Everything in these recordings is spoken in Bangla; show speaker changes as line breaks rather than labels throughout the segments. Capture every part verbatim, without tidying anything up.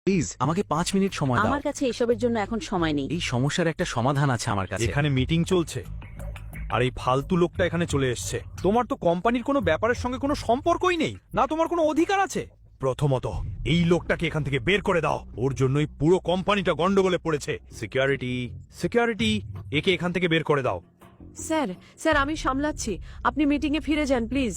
প্লিজ আমাকে পাঁচ মিনিট সময় দাও।
আমার কাছে এসবের জন্য এখন সময় নেই।
এই সমস্যার একটা সমাধান আছে আমার কাছে।
এখানে মিটিং চলছে আর এই ফালতু লোকটা এখানে চলে এসছে। তোমার তো কোম্পানির কোনো ব্যাপারের সঙ্গে কোনো সম্পর্কই নেই, না তোমার কোনো অধিকার আছে। প্রথমত এই লোকটাকে এখান থেকে বের করে দাও, ওর জন্যই পুরো কোম্পানিটা গন্ডগোলে পড়েছে। সিকিউরিটি সিকিউরিটি একে এখান থেকে বের করে দাও।
স্যার স্যার আমি সামলাচ্ছি, আপনি মিটিংয়ে ফিরে যান প্লিজ।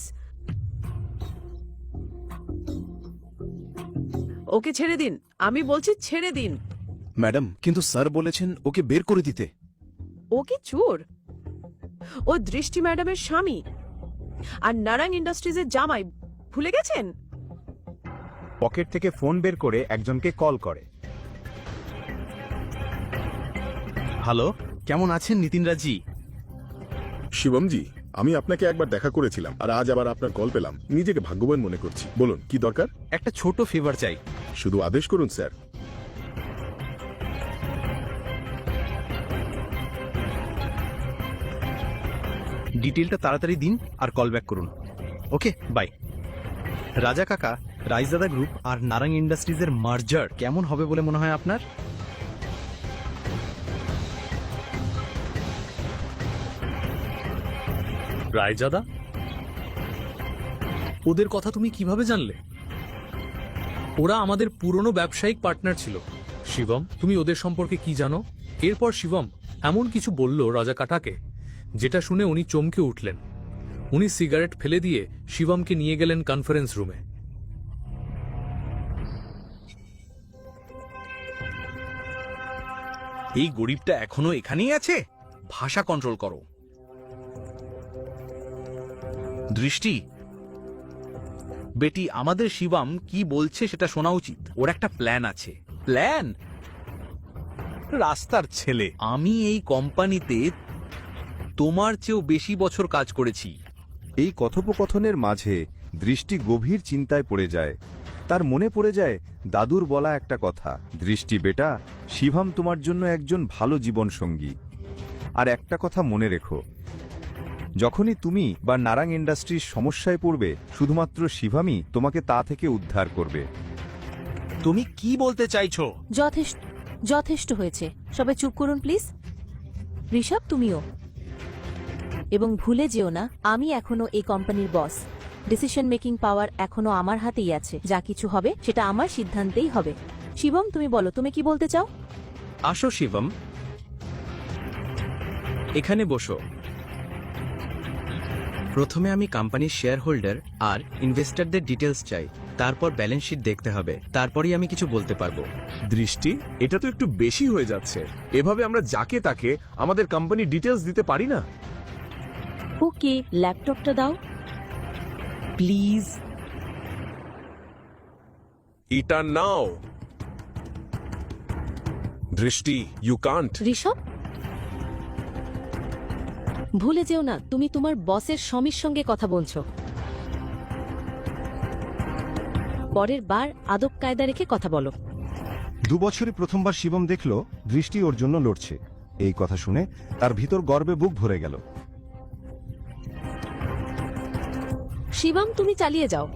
ওকে ছেড়ে দিন, আমি বলছি ছেড়ে দিন।
ম্যাডাম, কিন্তু স্যার বলেছেন ওকে বের করে দিতে।
ও কি চোর? ও দৃষ্টি ম্যাডামের স্বামী আর নারায়ণ ইন্ডাস্ট্রিজের জামাই, ভুলে গেছেন?
পকেট থেকে ফোন বের করে একজনকে কল করে।
হ্যালো, কেমন আছেন নিতিনরাজি?
শিবমজি, আমি আপনাকে একবার দেখা করেছিলাম আর আজ আবার আপনার কল পেলাম। নিজেকে ভাগ্যবান মনে করছি। বলুন কি দরকার?
একটা ছোট ফেভার চাই।
শুধু আদেশ করুন স্যার।
ডিটেলটা তাড়াতাড়ি দিন আর কল ব্যাক করুন। Okay, bye. রাজা কাকা, রাইজাদা গ্রুপ আর নারাং ইন্ডাস্ট্রিজের মার্জার কেমন হবে বলে মনে হয় আপনার?
রায়জাদা, ওদের কথা তুমি কিভাবে জানলে? ওরা আমাদের পুরনো ব্যবসায়িক পার্টনার ছিল। শিবম, তুমি ওদের সম্পর্কে কি জানো? এরপর শিবম এমন কিছু বলল রাজা কাটাকে, যেটা শুনে উনি চমকে উঠলেন। উনি সিগারেট ফেলে দিয়ে শিবমকে নিয়ে গেলেন কনফারেন্স রুমে।
এই গরিবটা এখনো এখানেই আছে? ভাষা কন্ট্রোল করো। দৃষ্টি বেটি, আমাদের শিবম কি বলছে সেটা শোনা উচিত। ওর একটা প্ল্যান আছে। প্ল্যান? রাস্তার ছেলে। আমি এই কোম্পানিতে তোমার চেয়েও বেশি বছর কাজ করেছি।
এই কথোপকথনের মাঝে দৃষ্টি গভীর চিন্তায় পড়ে যায়। তার মনে পড়ে যায় দাদুর বলা একটা কথা, দৃষ্টি বেটা, শিবম তোমার জন্য একজন ভালো জীবন সঙ্গী। আর একটা কথা মনে রেখো, যখনই তুমি বা নারাং ইন্ডাস্ট্রির সমস্যায় পড়বে, শুধুমাত্র শিবমই তোমাকে তা থেকে উদ্ধার করবে।
তুমি কি বলতে চাইছো?
যথেষ্ট যথেষ্ট হয়েছে, সবাই চুপ করুন প্লিজ। ঋষভ, তুমিও। এবং ভুলে যেও না, আমি এখনো এই কোম্পানির বস। ডিসিশন মেকিং পাওয়ার এখনো আমার হাতেই আছে। যা কিছু হবে সেটা আমার সিদ্ধান্তেই হবে। শিবম, তুমি বলো, তুমি কি বলতে চাও?
আসো শিবম, এখানে বসো। প্রথমে আমি কোম্পানির শেয়ার হোল্ডার আর ইনভেস্টরদের ডিটেলস চাই। তারপর ব্যালেন্স শিট দেখতে হবে, তারপরেই আমি কিছু বলতে পারবো।
দৃষ্টি, এটা তো একটু বেশি হয়ে যাচ্ছে। এভাবে আমরা যাকে তাকে আমাদের কোম্পানি ডিটেলস দিতে পারি না।
ওকে, ল্যাপটপটা দাও
প্লিজ।
এটা নাও। দৃষ্টি, ইউ কান্ট।
ঋষভ, ভুলে যেও না, তুমি তোমার বসের স্বামীর সঙ্গে কথা বলছো। পরের বার আদব কায়দা রেখে কথা বলো।
দু বছরে প্রথমবার শিবম দেখল দৃষ্টি ওর জন্য লড়ছে। এই কথা শুনে তার ভিতর গর্বে বুক ভরে গেল।
শিবম, তুমি চালিয়ে যাও।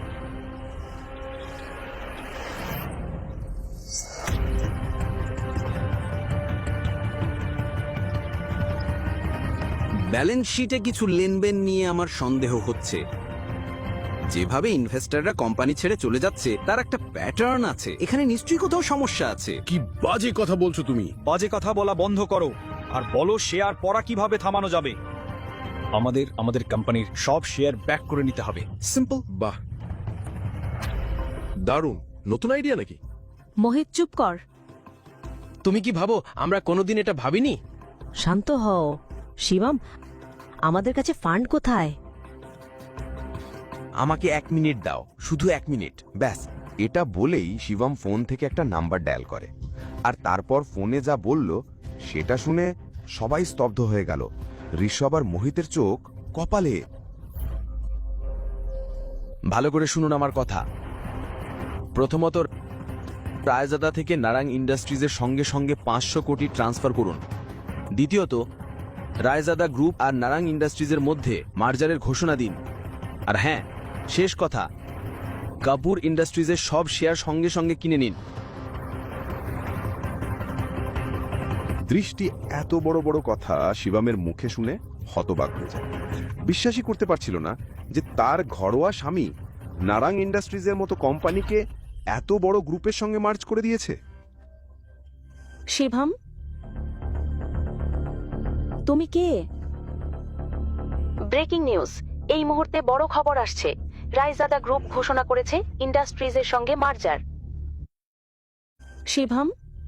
ব্যালেন্স শিটে কিছু লেনদেন নিয়ে আমার সন্দেহ হচ্ছে। যেভাবে ইনভেস্টররা কোম্পানি ছেড়ে চলে যাচ্ছে তার একটা প্যাটার্ন আছে। এখানে নিশ্চয়ই কোথাও সমস্যা আছে।
কি বাজে কথা বলছো তুমি?
বাজে কথা বলা বন্ধ করো আর বলো শেয়ার পড়া কিভাবে থামানো যাবে। আমাদের আমাদের কোম্পানির সব শেয়ার ব্যাক করে নিতে হবে। সিম্পল।
বাহ, দারুণ। নতুন আইডিয়া নাকি?
মোহিত, চুপ কর।
তুমি কি ভাবো আমরা কোনোদিন এটা ভাবিনি?
শান্ত হও। শিবম, আমাদের কাছে ফান্ড কোথায়?
আমাকে এক মিনিট দাও, শুধু এক মিনিট ব্যাস।
এটা বলেই শিবম ফোন থেকে একটা নাম্বার ডায়াল করে। আর তারপর ফোনে যা বলল সেটা শুনে সবাই স্তব্ধ হয়ে গেল। ঋষভ আর মোহিতের চোখ কপালে।
ভালো করে শুনুন আমার কথা। প্রথমত, রায়জাদা থেকে নারাং ইন্ডাস্ট্রিজের সঙ্গে সঙ্গে পাঁচশো কোটি ট্রান্সফার করুন। দ্বিতীয়ত, রায়জাদা গ্রুপ আর নারাং ইন্ডাস্ট্রিজের মধ্যে মার্জারের ঘোষণা দিন। আর হ্যাঁ, শেষ কথা, কাপুর ইন্ডাস্ট্রিজের সব শেয়ার সঙ্গে সঙ্গে কিনে নিন।
দৃষ্টি এত বড় বড় কথা শিবমের মুখে শুনে হতবাক হয়ে যায়। বিশ্বাসই করতে পারছিল না যে তার ঘরোয়া স্বামী নারাং ইন্ডাস্ট্রিজের মতো কোম্পানিকে এত বড় গ্রুপের সঙ্গে মার্জ করে দিয়েছে।
শিবম, তুমি কে? ব্রেকিং নিউজ, এই মুহূর্তে বড় খবর আসছে। রায়জাদা গ্রুপ ঘোষণা করেছে ইন্ডাস্ট্রিজের সঙ্গে মার্জার। শিবম,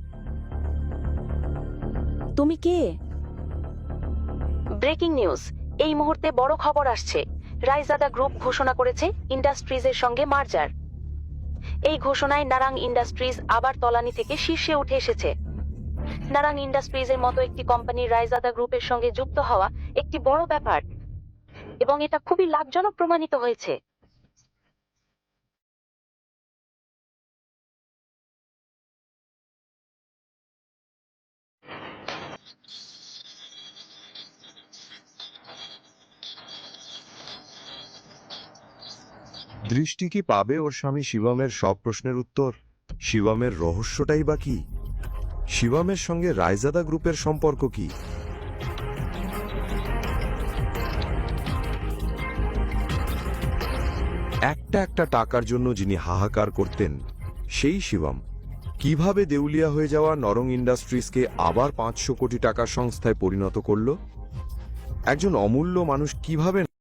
তুমি কে? ব্রেকিং নিউজ, এই মুহূর্তে বড় খবর আসছে। রায়জাদা গ্রুপ ঘোষণা করেছে ইন্ডাস্ট্রিজের সঙ্গে মার্জার। এই ঘোষণায় নারাং ইন্ডাস্ট্রিজ আবার তলানি থেকে শীর্ষে উঠে এসেছে। নারাং ইন্ডাস্ট্রিজের মতো একটি কোম্পানির রায়জাদা গ্রুপের সঙ্গে যুক্ত হওয়া একটি বড় ব্যাপার, এবং এটা খুবই লাভজনক প্রমাণিত হয়েছে।
দৃষ্টি কি পাবে ওর স্বামী শিবমের সব প্রশ্নের উত্তর? শিবমের রহস্যটাই বা কি? শিবমের সঙ্গে রায়জাদা গ্রুপের সম্পর্ক কি? একটা একটা টাকার জন্য যিনি হাহাকার করতেন, সেই শিবম কিভাবে দেউলিয়া হয়ে যাওয়া নরং ইন্ডাস্ট্রিজকে আবার পাঁচশো কোটি টাকার সংস্থায় পরিণত করল? একজন অমূল্য মানুষ কিভাবে